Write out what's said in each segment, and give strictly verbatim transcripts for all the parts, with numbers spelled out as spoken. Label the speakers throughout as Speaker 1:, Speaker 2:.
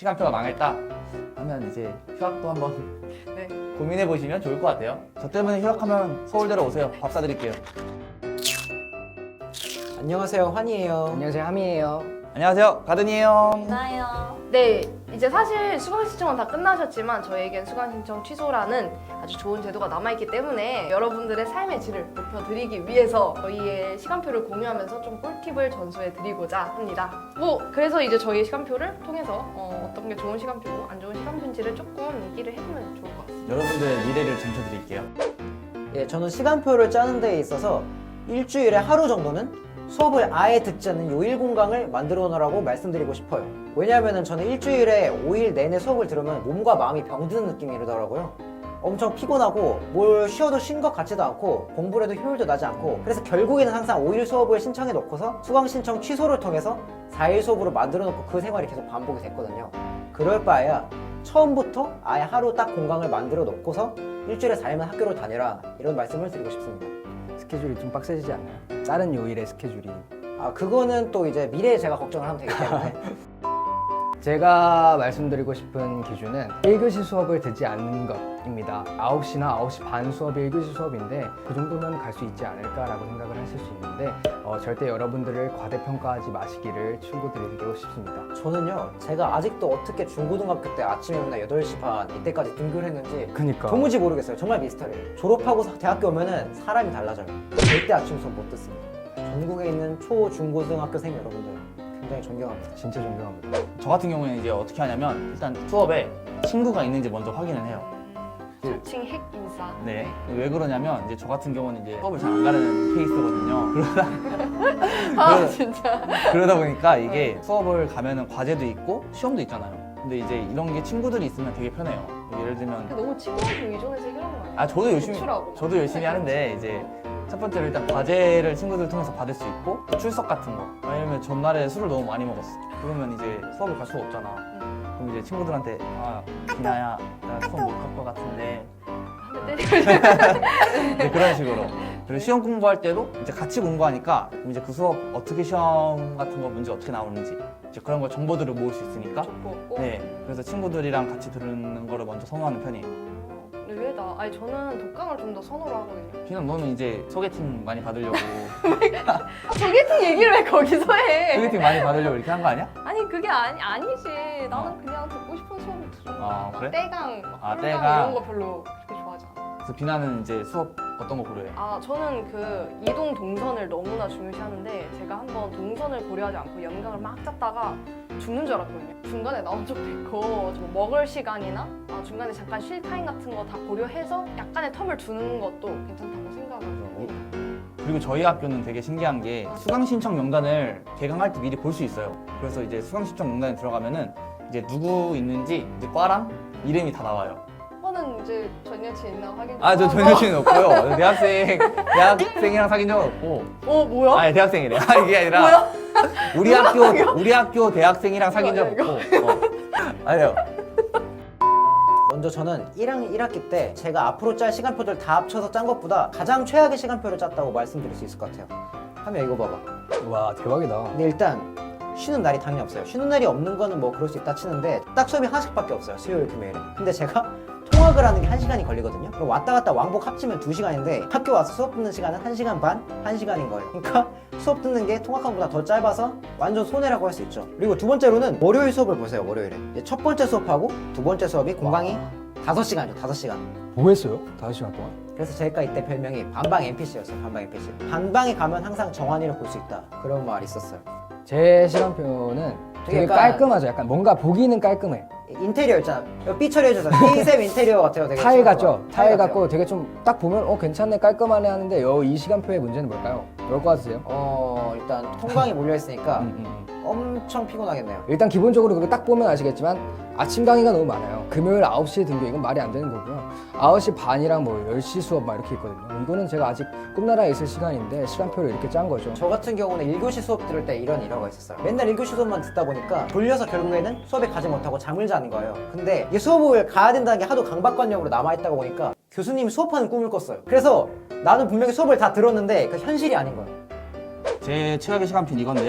Speaker 1: 시간표가 망했다 하면 이제 휴학도 한번
Speaker 2: 네.
Speaker 1: 고민해 보시면 좋을 것 같아요. 저 때문에 휴학하면 서울대로 오세요. 밥 사드릴게요.
Speaker 3: 안녕하세요, 환이에요.
Speaker 4: 안녕하세요, 함이에요.
Speaker 1: 안녕하세요, 가든이에요.
Speaker 2: 나요. 네, 이제 사실 수강 신청은 다 끝나셨지만 저희에겐 수강 신청 취소라는 아주 좋은 제도가 남아있기 때문에 여러분들의 삶의 질을 높여드리기 위해서 저희의 시간표를 공유하면서 좀 꿀팁을 전수해드리고자 합니다. 뭐 그래서 이제 저희의 시간표를 통해서 어, 어떤 게 좋은 시간표고 안 좋은 시간표인지를 조금 얘기를 해보면 좋을 것 같습니다.
Speaker 1: 여러분들의 미래를 점쳐드릴게요.
Speaker 3: 예, 저는 시간표를 짜는 데 있어서 일주일에 하루 정도는 수업을 아예 듣지 않는 요일 공강을 만들어 놓으라고 말씀드리고 싶어요. 왜냐하면 저는 일주일에 오 일 내내 수업을 들으면 몸과 마음이 병드는 느낌이 들더라고요. 엄청 피곤하고 뭘 쉬어도 쉰 것 같지도 않고 공부를 해도 효율도 나지 않고, 그래서 결국에는 항상 오 일 수업을 신청해 놓고서 수강 신청 취소를 통해서 사 일 수업으로 만들어 놓고 그 생활이 계속 반복이 됐거든요. 그럴 바에야 처음부터 아예 하루 딱 공강을 만들어 놓고서 일주일에 사 일만 학교를 다니라, 이런 말씀을 드리고 싶습니다.
Speaker 4: 스케줄이 좀 빡세지지 않나요? 다른 요일의 스케줄이.
Speaker 3: 아, 그거는 또 이제 미래에 제가 걱정을 하면 되기 때문에.
Speaker 4: 제가 말씀드리고 싶은 기준은 일 교시 수업을 듣지 않는 것입니다. 아홉 시나 아홉 시 반 수업이 일 교시 수업인데 그 정도면 갈 수 있지 않을까라고 생각을 하실 수 있는데 어, 절대 여러분들을 과대평가하지 마시기를 충고드리고 싶습니다.
Speaker 3: 저는요, 제가 아직도 어떻게 중고등학교 때 아침에 맨날 여덟 시 반 이때까지 등교를 했는지
Speaker 4: 그니까
Speaker 3: 도무지 모르겠어요. 정말 미스터리예요. 졸업하고 대학교 오면은 사람이 달라져요. 절대 아침 수업 못 듣습니다. 전국에 있는 초, 중, 고등학교생 여러분들 굉장히 존경합니다.
Speaker 4: 진짜 존경합니다.
Speaker 1: 저 같은 경우에는 이제 어떻게 하냐면 일단 수업에 친구가 있는지 먼저 확인을 해요.
Speaker 2: 자칭 핵 인싸.
Speaker 1: 네. 왜 그러냐면 이제 저 같은 경우는 이제 수업을 잘 안 가는 케이스거든요. 그러다
Speaker 2: 아
Speaker 1: 그러다-
Speaker 2: 진짜.
Speaker 1: 그러다 보니까 이게 수업을 가면은 과제도 있고 시험도 있잖아요. 근데 이제 이런 게 친구들이 있으면 되게 편해요. 예를 들면
Speaker 2: 너무 친구한테 의존해서 해결하는 거 아니야?
Speaker 1: 아 저도 열심히
Speaker 2: 제출하고.
Speaker 1: 저도 열심히 하는데 이제 첫 번째로 일단 과제를 친구들 통해서 받을 수 있고 또 출석 같은 거, 왜냐면 전날에 술을 너무 많이 먹었어. 그러면 이제 수업을 갈 수가 없잖아.
Speaker 2: 응.
Speaker 1: 그럼 이제 친구들한테 아 비나야 나 수업 못 갈 것 같은데
Speaker 2: 한 대 때리고
Speaker 1: 네, 그런 식으로. 그리고 시험 공부할 때도 이제 같이 공부하니까 그럼 이제 그 수업 어떻게 시험 같은 거 문제 어떻게 나오는지 이제 그런 거 정보들을 모을 수 있으니까.
Speaker 2: 좋고.
Speaker 1: 네, 그래서 친구들이랑 같이 들은 거를 먼저 선호하는 편이에요.
Speaker 2: 의외다. 아니 저는 독강을 좀 더 선호를 하거든요.
Speaker 1: 피는 너는 이제 소개팅 많이 받으려고
Speaker 2: 아, 소개팅 얘기를 왜 거기서 해?
Speaker 1: 소개팅 많이 받으려고 이렇게 한 거 아니야?
Speaker 2: 아니 그게 아니 아니지. 나는 그냥 듣고 싶은 수업을 들어.
Speaker 1: 아,
Speaker 2: 막
Speaker 1: 그래?
Speaker 2: 떼강, 막
Speaker 1: 아,
Speaker 2: 홀강
Speaker 1: 떼강.
Speaker 2: 이런 거 별로 그렇게 좋아하지 않아.
Speaker 1: 그래서 비나는 이제 수업 어떤 거 고려해?
Speaker 2: 아 저는 그 이동 동선을 너무나 중요시하는데 제가 한번 동선을 고려하지 않고 연강을 막 짰다가 죽는 줄 알았거든요. 중간에 나온 적도 있고 좀 먹을 시간이나 아, 중간에 잠깐 쉴 타임 같은 거 다 고려해서 약간의 텀을 두는 것도 괜찮다고 생각을 합니다.
Speaker 1: 그리고 저희 학교는 되게 신기한 게 수강 신청 명단을 개강할 때 미리 볼 수 있어요. 그래서 이제 수강 신청 명단에 들어가면은 이제 누구 있는지 이제 과랑 이름이 다 나와요.
Speaker 2: 오빠는 이제 전 여친 있나 확인 좀
Speaker 1: 아, 저
Speaker 2: 하고.
Speaker 1: 전 여친은 없고요. 대학생, 대학생이랑 사귄 적은 없고.
Speaker 2: 어 뭐야?
Speaker 1: 아니, 대학생이래. 아, 이게 아니라.
Speaker 2: 뭐야?
Speaker 1: 우리 학교, 우리 학교 대학생이랑 사귄 적
Speaker 2: 이거
Speaker 1: 없고. 어. 아니요.
Speaker 3: 먼저 저는 일 학년 일 학기 때 제가 앞으로 짤 시간표들 다 합쳐서 짠 것보다 가장 최악의 시간표를 짰다고 말씀드릴 수 있을 것 같아요. 하면 이거 봐봐.
Speaker 4: 와, 대박이다.
Speaker 3: 근데 일단 쉬는 날이 당연히 없어요. 쉬는 날이 없는 거는 뭐 그럴 수 있다 치는데 딱 수업이 하나씩밖에 없어요. 수요일, 금요일에. 근데 제가 통학을 하는 게 한 시간이 걸리거든요. 그럼 왔다 갔다 왕복 합치면 두 시간인데 학교 와서 수업 듣는 시간은 한 시간 반, 한 시간인 거예요. 그러니까 수업 듣는 게 통학한 것보다 더 짧아서 완전 손해라고 할 수 있죠. 그리고 두 번째로는 월요일 수업을 보세요. 월요일에. 이제 첫 번째 수업하고 두 번째 수업이 공강이 다섯 시간이죠. 다섯 시간.
Speaker 4: 뭐 했어요? 다섯 시간 동안?
Speaker 3: 그래서 제가 이때 별명이 반방 엠피씨였어요. 반방 엠피씨. 반방에 가면 항상 정환이를 볼 수 있다. 그런 말이 있었어요.
Speaker 4: 제 시간표는 되게
Speaker 3: 약간-
Speaker 4: 깔끔하죠. 약간 뭔가 보기는 깔끔해.
Speaker 3: 인테리어 있잖아. 이거 삐 처리해주잖아. K쌤 인테리어 같아요. 되게
Speaker 4: 타일 같죠?
Speaker 3: 좋은 거.
Speaker 4: 타일
Speaker 3: 같아요.
Speaker 4: 같고 되게 좀 딱 보면 어 괜찮네, 깔끔하네 하는데 요 이 시간표의 문제는 뭘까요? 뭘 것 같으세요?
Speaker 3: 어 일단 통강이 몰려있으니까
Speaker 4: 음, 음, 음.
Speaker 3: 엄청 피곤하겠네요.
Speaker 4: 일단 기본적으로 그거 딱 보면 아시겠지만 아침 강의가 너무 많아요. 금요일 아홉 시에 등교, 이건 말이 안 되는 거고요. 아홉 시 반이랑 뭐 열 시 수업 막 이렇게 있거든요. 이거는 제가 아직 꿈나라에 있을 시간인데 시간표를 이렇게 짠 거죠.
Speaker 3: 저 같은 경우는 일 교시 수업 들을 때 이런 일화가 있었어요. 맨날 일 교시 수업만 듣다 보니까 졸려서 결국에는 수업에 가지 못하고 잠을 자는 거예요. 근데 이 수업을 가야 된다는 게 하도 강박관념으로 남아있다가 보니까 교수님이 수업하는 꿈을 꿨어요. 그래서 나는 분명히 수업을 다 들었는데 그 현실이 아닌 거예요.
Speaker 1: 제 최악의 시간표는 이건데요.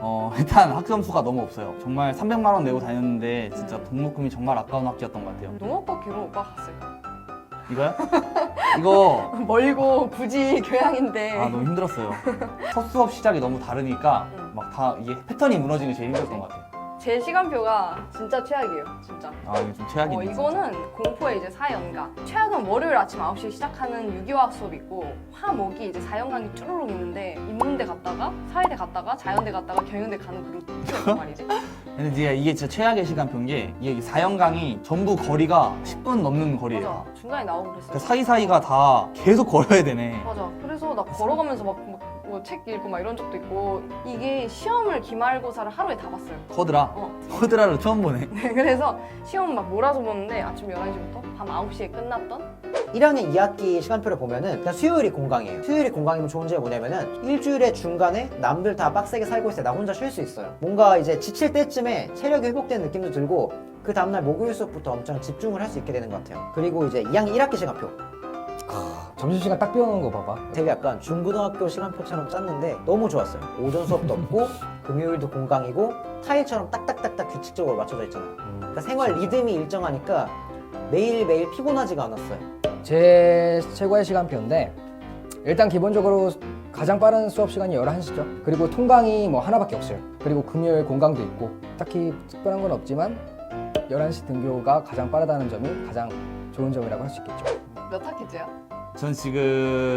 Speaker 1: 어, 일단 학점수가 너무 없어요. 정말 삼백만 원 내고 다녔는데 진짜
Speaker 2: 음.
Speaker 1: 등록금이 정말 아까운 학교였던 것 같아요.
Speaker 2: 농업과 교로 오빠 갔을까?
Speaker 1: 이거요? 이거
Speaker 2: 멀고 굳이 교양인데.
Speaker 1: 아 너무 힘들었어요. 첫 수업 시작이 너무 다르니까
Speaker 2: 음.
Speaker 1: 막 다 이게 패턴이 무너지는 게 제일 힘들었던 것 같아요.
Speaker 2: 제 시간표가 진짜 최악이에요, 진짜.
Speaker 1: 아 이게 좀 최악이네.
Speaker 2: 어, 이거는 공포의 이제 사 연강. 최악은 월요일 아침 아홉 시에 시작하는 유기화학 수업이 있고, 화목이 이제 사 연강이 쭈루룩 있는데, 인문대 갔다가, 사회대 갔다가, 자연대 갔다가, 경영대 가는 그 루트였단 말이지.
Speaker 1: 근데 이게, 이게 진짜 최악의 시간표인 게 이게 사 연강이 전부 거리가 십 분 넘는 거리예요.
Speaker 2: 맞아. 중간에 나오고 그랬어.
Speaker 1: 그 사이사이가 다 계속 걸어야 되네.
Speaker 2: 맞아. 그래서 나 걸어가면서 막 뭐 책 읽고 막 이런 적도 있고, 이게 시험을 기말고사를 하루에 다 봤어요.
Speaker 1: 커드라.
Speaker 2: 어.
Speaker 1: 커드라를 처음 보네.
Speaker 2: 네, 그래서 시험 막 몰아서 보는데 아침 열한 시부터 밤 아홉 시에 끝났던.
Speaker 3: 일 학년 이 학기 시간표를 보면은 그냥 수요일이 공강이에요. 수요일이 공강이면 좋은 점이 뭐냐면은 일주일의 중간에 남들 다 빡세게 살고 있을 때 나 혼자 쉴 수 있어요. 뭔가 이제 지칠 때쯤에 체력이 회복된 느낌도 들고 그 다음날 목요일 수업부터 엄청 집중을 할 수 있게 되는 것 같아요. 그리고 이제 이 학년 일 학기 시간표.
Speaker 4: 점심시간 딱 비워놓은 거 봐봐.
Speaker 3: 되게 약간 중고등학교 시간표처럼 짰는데 너무 좋았어요. 오전 수업도 없고 금요일도 공강이고 타일처럼 딱딱딱딱 규칙적으로 맞춰져 있잖아요. 그러니까 생활 리듬이 일정하니까 매일매일 피곤하지가 않았어요.
Speaker 4: 제 최고의 시간표인데 일단 기본적으로 가장 빠른 수업 시간이 열한 시죠. 그리고 통강이 뭐 하나밖에 없어요. 그리고 금요일 공강도 있고 딱히 특별한 건 없지만 열한 시 등교가 가장 빠르다는 점이 가장 좋은 점이라고 할 수 있겠죠.
Speaker 2: 몇 학기째야?
Speaker 1: 전 지금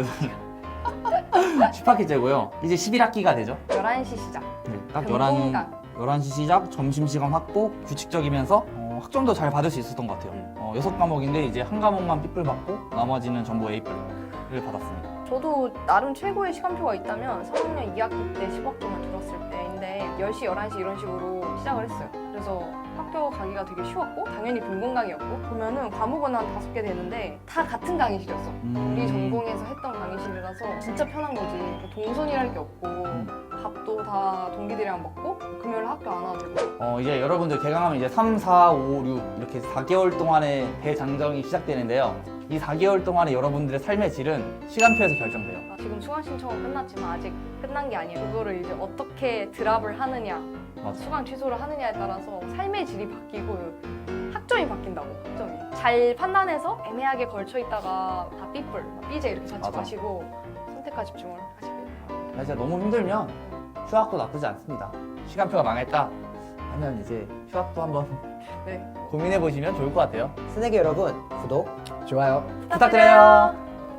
Speaker 1: 십 학기째고요. 이제 십일 학기가 되죠.
Speaker 2: 열한 시 시작.
Speaker 1: 네, 딱
Speaker 2: 금공강.
Speaker 1: 열한 시 시작, 점심시간 확보, 규칙적이면서 어, 학점도 잘 받을 수 있었던 것 같아요. 어, 여섯 과목인데 이제 한 과목만 삐뿔 받고 나머지는 전부 A뿔을 받았습니다.
Speaker 2: 저도 나름 최고의 시간표가 있다면 삼 학년 이 학기 때 십학점을 들었을 때인데 열 시, 열한 시 이런 식으로 시작을 했어요. 그래서 학교 가기가 되게 쉬웠고 당연히 본공강이었고 보면은 과목은 한 다섯 개 되는데 다 같은 강의실이었어.
Speaker 1: 음...
Speaker 2: 우리 전공에서 했던 강의실이라서 진짜 편한 거지. 동선이랄 게 없고 밥도 다 동기들이랑 먹고 금요일 학교 안 와도 되고.
Speaker 1: 어, 이제 여러분들 개강하면 이제 삼, 사, 오, 육 이렇게 사 개월 동안의 대장정이 시작되는데요. 이 사 개월 동안의 여러분들의 삶의 질은 시간표에서 결정돼요.
Speaker 2: 아, 지금 수강 신청은 끝났지만 아직 끝난 게 아니에요. 그거를 이제 어떻게 드랍을 하느냐,
Speaker 1: 맞아.
Speaker 2: 수강 취소를 하느냐에 따라서 삶의 질이 바뀌고 학점이 바뀐다고. 학점이 잘 판단해서 애매하게 걸쳐 있다가 다 삐뿔, 삐제 이렇게 찾지
Speaker 1: 맞아.
Speaker 2: 마시고 선택과 집중을 하시길 바랍니다.
Speaker 1: 진짜 너무 힘들면 휴학도 나쁘지 않습니다. 시간표가 망했다 하면 이제 휴학도 한번
Speaker 2: 네.
Speaker 1: 고민해 보시면 좋을 것 같아요.
Speaker 3: 새내기 여러분 구독
Speaker 4: 좋아요.
Speaker 1: 부탁드려요.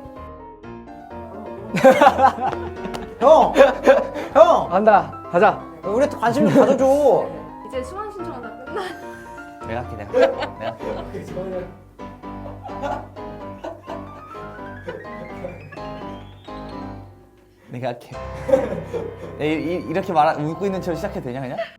Speaker 3: 형! 형!
Speaker 4: 간다. 가자.
Speaker 3: 우리한테 관심 좀 가져줘.
Speaker 2: 이제 수강 신청은 다 끝나.
Speaker 1: 내가 할게 내가 할게. 내가 할게. 내가 할게. 네, 이- 이- 이렇게 말 웃고 있는 척 시작해도 되냐 그냥?